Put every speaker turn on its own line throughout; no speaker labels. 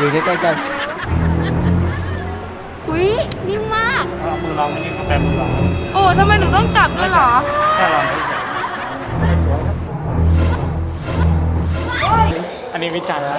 ดูใกล้ๆกัน
อุ้ยนิ่มมาก
มือเราไม่นิ่มก็แปลมือเรา
โอ้ทำไมหนูต้องจับด้วยเหรอ
แค่เราอันนี้วิจารณ์แล้ว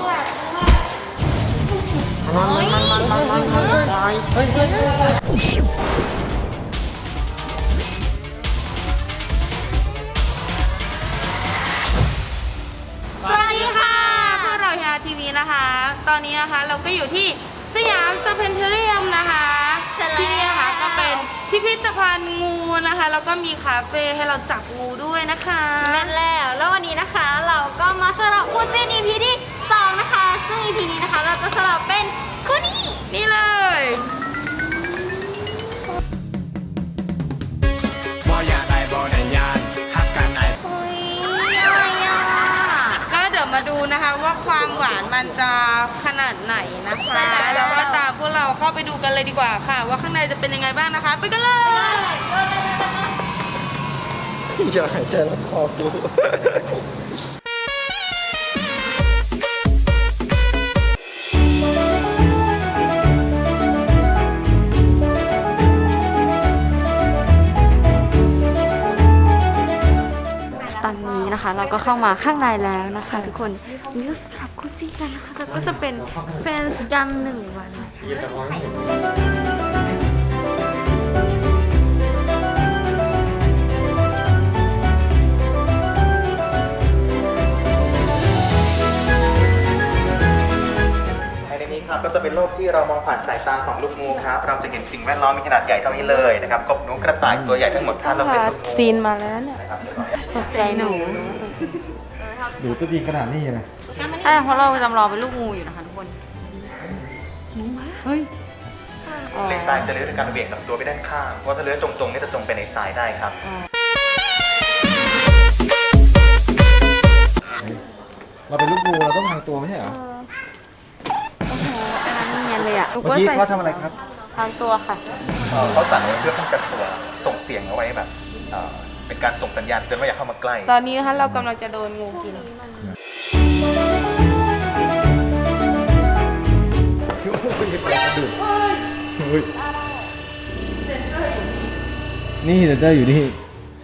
สวัสดีค่ะพวกเราเฮียทีวีนะคะ ตอนนี้นะคะเราก็อยู่ที่สยามสแควร์เรียมนะคะที่นี่นะคะก็เป็นพิพิธภัณฑ์งูนะคะแล้วก็มีคาเฟ่ให้เราจับงูด้วยนะคะ
แม่นแล้ววันนี้นะคะเราก็มาสลับคู่จิ้น EP ที่2นะคะซึ่ง EP นี้นะคะเราจะสลับเป็นคู่นี้
นี่เลย
เฮ้ยอะไรอ่ะ
ก็เดี๋ยวมาดูนะคะว่าความหวานมันจะขนาดไหนนะคะแล้วก็ตามพวกเราเข้าไปดูกันเลยดีกว่าค่ะว่าข้างในจะเป็นยังไงบ้างนะคะไปกันเลย
อย่าหายใจแล้วคอกู
ตอนนี้นะคะเราก็เข้ามาข้างในแล้วนะคะทุกคนนี่ก็สลับคู่จิ้นกันนะคะแล้วก็จะเป็นแฟนกัน1 วัน
ก็จะเป็นโลกที่เรามองผ่านสายตาของลูกงูครับเราจะเห็นสิ่งแวดล้อมมีขนาดใหญ่เท่านี้เลยนะครับกบหนูกระต่ายตัวใหญ่ทั้งหมดถ้าเราเป็นลูกงู
ซีนมาแล้วเนี่ยตกใจหนู
ตัวดีขนาดนี้นะ
ใช่เพราะเราจำลองเป็นลูกงูอยู่นะคะทุกคน
เฮ้ย
เลนทรายจะเลื้อยด้วยการเบี่ยงลำตัวไปด้านข้างเพราะถ้าเลื้อยตรงๆนี่จะจมไปในทรายได้ครับ
เราเป็นลูกงูเราต้องทางตัวไม่ใช่เหรอ
อันนั้นเนียนเลยอ่ะ
เมื่อกี้เขาทำอะไรครับ
ทางตัวค่ะ
เขาสั่นเพื่อป้องกันตัวส่งเสียงเอาไว้แบบเป็นการส่งสัญญาณเตือนว่าอย่าเข้ามาใกล้
ตอนนี้นะคะเรากำลังจะโดนงูกิน
นี่เดอร์อยู่นี่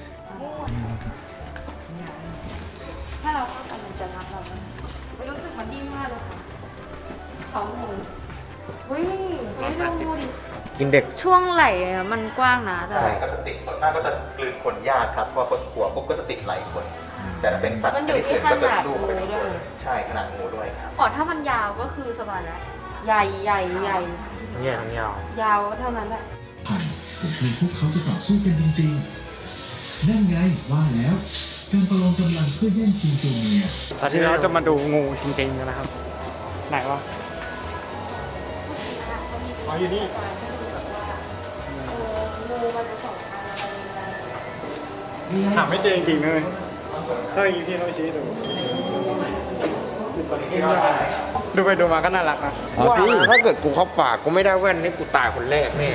ถ้าเราเข้าไปมันจะรักเราไม่รู้สึกมันดิ้นมากเลยค่ะเขางูเฮ้ยไม่ดูงูดิ
กินเด็ก
ช่วงไหล่มันกว้างนะ
ใช่ก็จะติดส่วนมากก็จะกลืนขนยากครับเพราะคนหัวปุ๊บก็จะติดไหล่คนแต่ถ้าเป็นสัตว์ชนิดอื่นก็จะลูบไปด้วยใช่ขนาดงูด้วยครับ
อ๋อถ้ามันยาวก็คือสบายแล้วใหญ่
เนี่ย
ยาวเท่านั้นแหละ
คือพวกเขาจะต่อสู้กันจริงๆนั่นไงว่าแล้วการประลองกำลังเพื่อแย่งชิงตัวเมีย
ตอนนี้เราจะมาดูงูจริงๆกันนะครับไหนวะอ๋ออยู่นี่หาไม่เจอจริงๆเลยถ้าอย่างนี้พี่ต้องชี้ดูไปดูมาก็น่ารักนะ
ถ้าเกิดกูเข้าปากกูไม่ได้แว่นนี่กูตายคนแรกแน่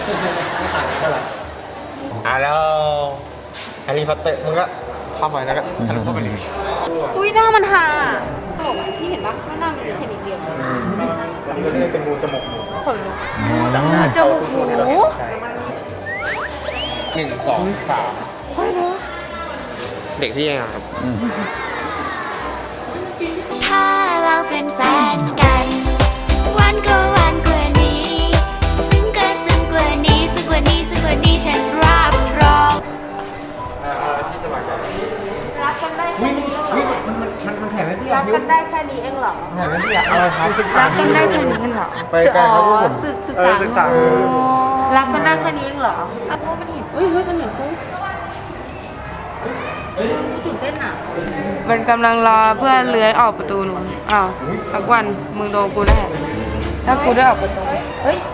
แล้วแฮร์รี่พอตเตอร์มึงก็เข้าไปแล้วก็ทะลุเข้าไปเลย
อุ้ยหน้ามันห่าพี่เห็นปะหน้ามันเป็นแค่นิดเดียว
อันนี้ก็เรียกเป็นงูจมูกหมู
จมูกหมู
1 2 3เด็กที่ยังครับ
ถ้าเราเป็นแฟนกันวันก็วันกว่านี้ซึ่งก็ซึ่งกว่านี้ซึ่งกว่านี้ซึ่งกว่านี้ฉันรับรอง
ที่สบายใจ
รักกันได้แค่นี้
มันแผ่ไม่พี่
รักกันได้แค่นี้เองเหรอ
แผ่ไม่พี่อะไรครับ
รักกันได้แค่นี้เองเหรอ
ไปกันครับผม
ศึกษารักกันได้แค่นี้เองเหรอกูมันเห็นเฮ้ยมันเห็นกูตื่นเต้นอ่ะมันกำลังรอเพื่อเลื้อยออกประตูนู้นอ้าวสักวันมึงโดนกูแน่ถ้ากูได้ออกประตูเฮ้ย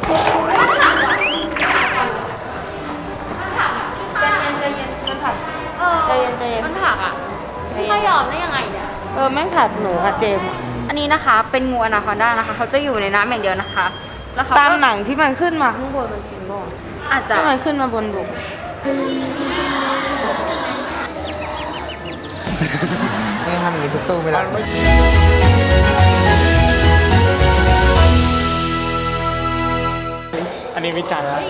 ใจเย็นมันผักใจเย็น
มันผักอ่ะไม่ยอมได้ยังไงเนี่ย
แม่งผักหนูค่ะเจม
อันนี้นะคะเป็นงูอนาคอนดานะคะเขาจะอยู่ในน้ำอย่างเดียวนะคะแล้วเขา
ตามหนังที่มันขึ้นมาข้างบนมันกินบ่
อาจจะ
มันขึ้นมาบนบก
ไม่ทำอย่างนี้ทุกตู้ไม่ได้
อันนี้วิจารณ์แล้ว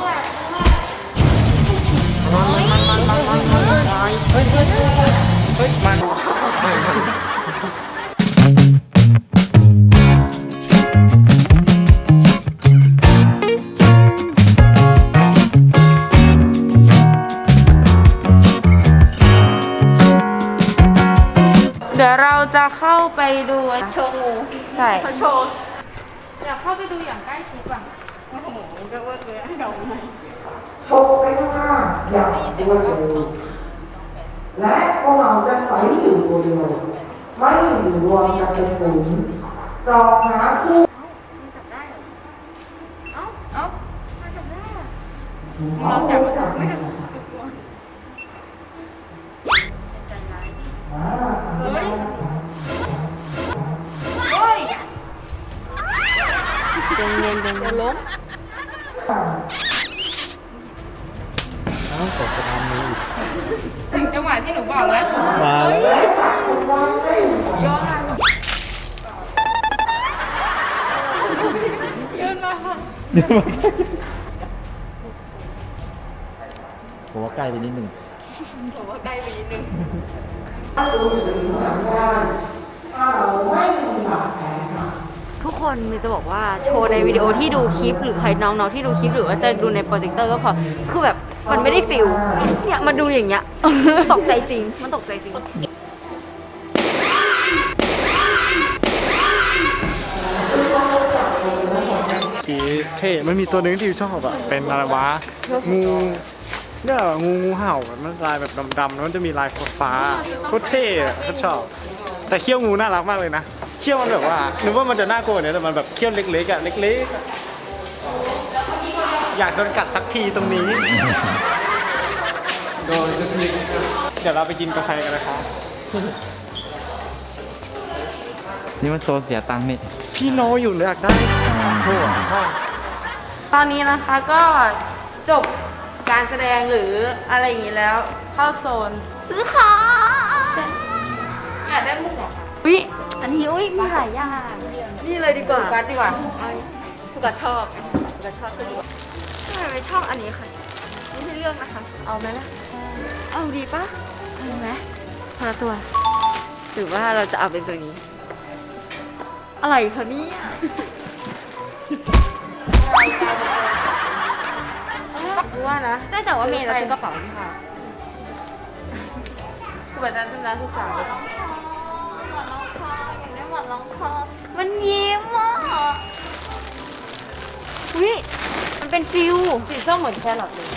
เดี๋ยวเราจะเข้าไปดู
โชว์งู
ใช่
เขาโชว์
อยากเข้าไปดูอย่างใกล้ชิดอ่ะ
โอ้โหเรียกว่าเรือให้เราไหม
โชว์ไปข้างหน้าอย่างรวดเร็วและพวกเราจะใสอยู่ตัวเดียวไม่อยู่รวมกันเป็นฝูงจองหาคู่
เราอยากมาสัมภาษณ์ ถึงจังหวะที่หนูบอกแล้ว
มาแล้วผมว่าใกล้ไปนิดนึง
ทุกคนมีจะบอกว่าโชว์ในวิดีโอที่ดูคลิปหรือใครน้องๆที่ดูคลิปหรือว่าจะดูในโปรเจคเตอร์ก็พอคือแบบมันไม่ได้ฟิลเนี่ยมาดูอย่างเงี้ย ตกใจจริงมันตกใจจริง
กีเท่มันมีตัวหนึงที่ชอบอ่ะ เป็นอะไรวะ งูเนี่ยงูเห่ามันลายแบบดำๆแล้วมันจะมีลายฟ้าโคตรเท่อะเขาชอบ แต่เขี้ยวงูน่ารักมากเลยนะเขี้ยวมันแบบว่านึกว่ามันจะน่ากลัวเนี่ยแต่มันแบบเขี้ยวเล็กๆอ่ะเล็กๆอะอยากโดนกัดสักทีตรงนี้โดนสักทีเดี๋ยวเราไปกินกาแฟกันนะครับ
นี่มันโซนเสียตังค์นี่
พี่โนอยู่เลยอยากได้โอ้โห
ตอนนี้นะคะก็จบการแสดงหรืออะไรอย่างนี้แล้วเข้าโซน
ซื้อของ
อยากได้มุกเหรอคะ
อุ้ยอันนี้อุ้ยมีหลายอย่างนี่เลยดีกว่า
โฟกัสดีกว่า
สุกัดชอบสุกัดชอบตัวนี้ทำไมไม่ชอบอันนี้ค่ะไม่ใช่เลือกนะคะ
เอาไหมล่ะ
เอาดีปะเอาไหมคนละตัวหรือว่าเราจะเอาเป็นตัวนี้ อะไรคะเนี่ย
คือว่านะ
ได้แต่ว่าเมย์จะซื้อกระเป๋านี่ค่ะ
คือแบบนั้นเป็นร้านทุกสาว
มันยิ้มอ่ะอุ้ยมันเป็นฟิว
สีส้มเหมือนแครอทเลย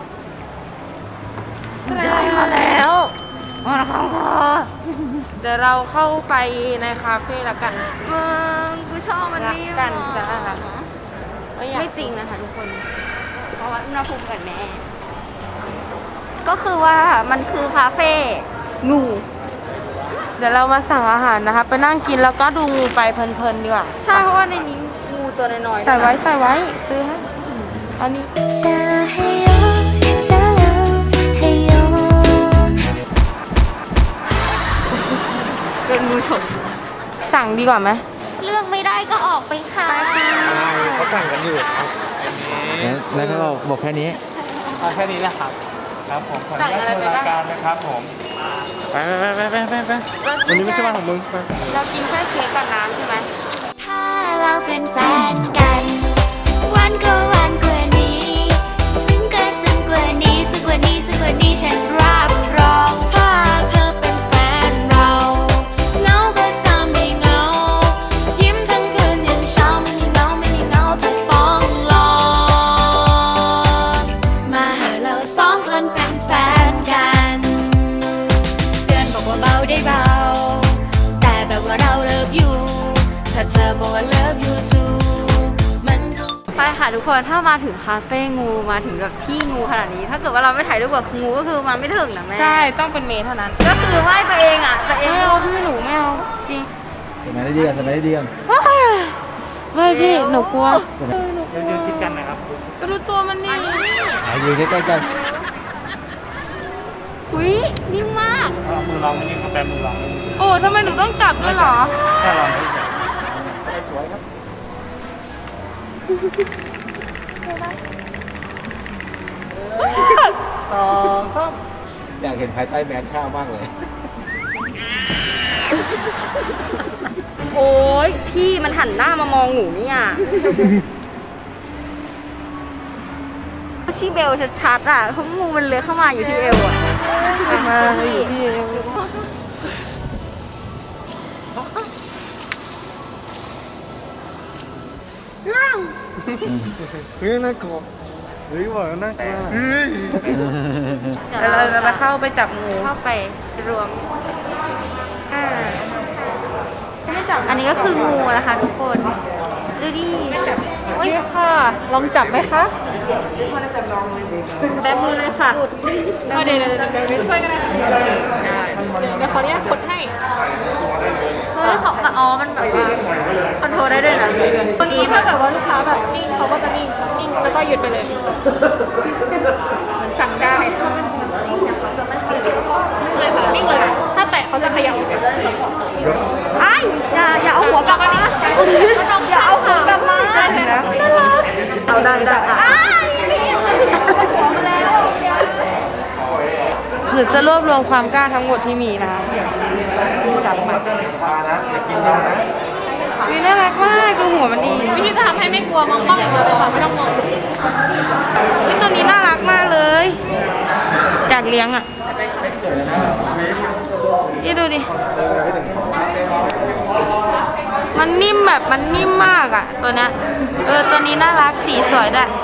ได้มาแล้วมาแล้วค่ะ
เดี๋ยวเราเข้าไปในคาเฟ่แล้วกัน
มึงกูชอบมันนี่
รักกันจ้า
ไม่จริงนะคะทุกคน เพราะว่าอุณหภูมิกันแม่ ก็คือว่ามันคือคาเฟ่งู
เดี๋ยวเรามาสั่งอาหารนะคะ ไปนั่งกินแล้วก็ดูงูไปเพลินๆดีกว่า
ใช่เพราะว่าในนี้งูตัวน้อยๆ
ใส่ไว้ใส่ไว้ซื้อให้อันนี้
사랑해요 사랑해요
เป็นงูฉก
สั่งดีกว่าไหม
เลือกไม่ได้ก็ออกไปค่ะ
เขาสั่งกันอยู่ครับ
แล้วก็บอกแค่นี้
เอาแค่นี้นะครับ ครับผมขออนุญาต
สั่งอะไรไปบ้าง
รายการนะครับผม ไปวันนี้ไม่ใช่วันของมึงไป
เรากินแค่เค้กกับน้ำใช่ไหม
ถ้าเราเป็นแฟนกัน วันก็วันกว่านี้ ซึ่งก็ซึ่งกว่านี้ซึ่งกว่านี้ซึ่งกว่านี้ฉันรับรอง ถ้าเธอเป็นแฟนเราเหงาก็จะไม่เหงา ยิ้มทั้งคืนยังเช้าไม่มีเหงาไม่มีเหงาเธอต้องลอง มาเหอะเราสองคนเป็นแฟนกันเตือนบอกว่าเบาได้เบา แต่แบบว่าเราเลิฟอยู่ ถ้าเธอบอกว่า love you too มันก็
ไปค่ะทุกคนถ้ามาถึงคาเฟ่งูมาถึงแบบที่งูขนาดนี้ ถ้าเกิดว่าเราไม่ถ่ายรูปกับงูก็คือมันไม่ถึงนะแม่
ใช่ต้องเป็นเมย์เท่านั้น
ก็คือไหว้ตัวเองอ่ะตัวเอง
ไม่เอาพี่หนูไม่เอาจริง
สมัยได้เดียนสมัยได้เดียน
ไม่พี่หนูกลัว
ยืนชิดกันนะครับ
ไปดูตัวมันนี่
อยู่ใกล้ๆกัน
อุ้ยนิ่มมาก
เอามือลองนี่ก็แปมือลอง
โอ้ทำไมหนูต้องจับด้วยเหรอ
แค่ลองไม่
อยากเห็นภายใต้แมสข้าวมากเลย
โอ้ยพี่มันหันหน้ามามองหนูเนี่ยชีเบลชัดๆอ่ะเพราะงูมันเลื้อยเข้ามาอยู่ที่เอวอ่ะมาอยู่ที่เอว
เฮ้ยน่ากลัวเฮ้ยบอกแล้วน่ากลัว
เดี๋ยวเราจะไปเข้าไปจับงู
เข้าไปรวมอันนี้ก็คืองูนะคะทุกคนดูดิโอ้ยค่ะลองจับไหมคะแบมือเลยค่ะเดี๋ยวช่วยกันเดี๋ยวขออนุญาตกดให้เฮ้ยเขาอ๋อมันแบบว่าคอนโทรลได้ด้วยนะเมื่อกี้ถ้าเกิดว่าลูกค้าแบบนิ่งเขาก็จะนิ่งแล้วก็หยุดไปเลยสั่งได้เลยค่ะนิ่งเลยถ้าแตะเขาจะขยับไอ้อย่าเอาหัวกลับมาอย่าเอาหัวกลับมาใช่แล้วเอาได้
หรือจะรวบรวมความกล้าทั้งหมดที่มีนะคะจับมา
ชานะอย่ากินเรานะ
วิน่ารักมากดูหัวมันดี
วิธีจะทำให้ไม่กลัวมองกล้องอย่างเดียวเลยค่ะไม่ต้องมอง
ตัวนี้น่ารักมากเลยอยากเลี้ยงอ่ะนี่ดูดิมันนิ่มแบบมันนิ่มมากอ่ะตัวเนี้ยตัวนี้น่ารักสีสวยด้วย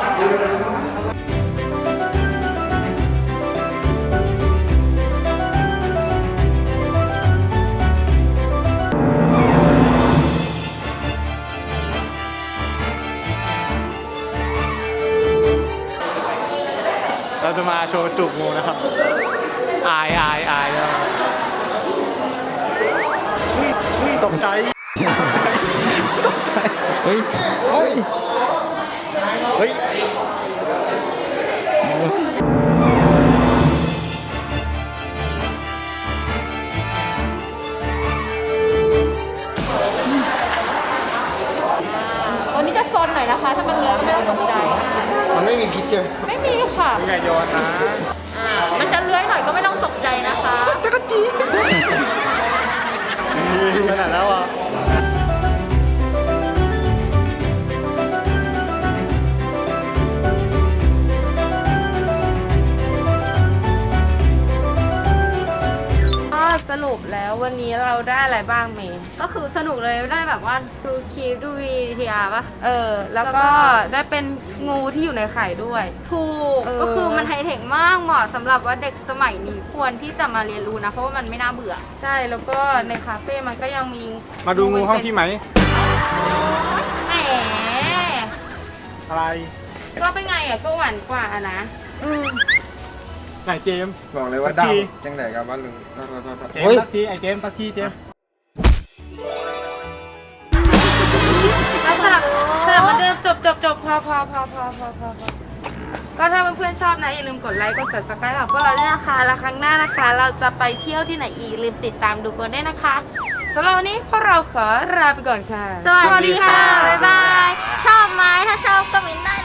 เราจะมาโชว์จูบงูนะครับอายตกใจเฮ้ย
วันนี้จะซนหน่อยนะคะ ถ้ามันเลื้อยก็ไม่ต้องตกใจ
มันไม่มีพิษเจอ
ไม่มีค่ะ
อย่าโยนนะ
มันจะเลื้อยหน่อยก็ไม่ต้องตกใจนะคะ
จักรจีขนาดแล้วอ่ะ
สรุปแล้ววันนี้เราได้อะไรบ้างเมย์
ก็คือสนุกเลยได้แบบว่าดูคลิปดูVTR ป่ะ
แล้วก็ได้เป็นงูที่อยู่ในไข่ด้วย
ถูก ก็คือมันไฮเทคมากเหมาะสำหรับว่าเด็กสมัยนี้ควรที่จะมาเรียนรู้นะ เพราะว่ามันไม่น่าเบื่อ
ใช่แล้วก็ในคาเฟ่มันก็ยังมี
มาดูงูห้องพี่ไหม
แหม
อะไร
ก็เป็นไงอ่ะก็หวานกว่าอะนะ
ไหนเจมส์
บอกเลยว่าดำจังไหนกับบ้านลุง
เจมส์สักทีไอเจมส์สักทีเจมส์
แล้วสำหรับวันเดิมจบพอก็ถ้าเพื่อนๆชอบนะอย่าลืมกดไลค์กด subscribe ของพวกเราด้วยนะคะแล้วครั้งหน้านะคะ เราจะไปเที่ยวที่ไหนอีกลืมติดตามดูกันด้วยนะคะสำหรับวันนี้พวกเราขอลาไปก่อนค่ะ
สวัสดีค่ะ บ๊ายบาย ชอบไหมถ้าชอบก็มินได้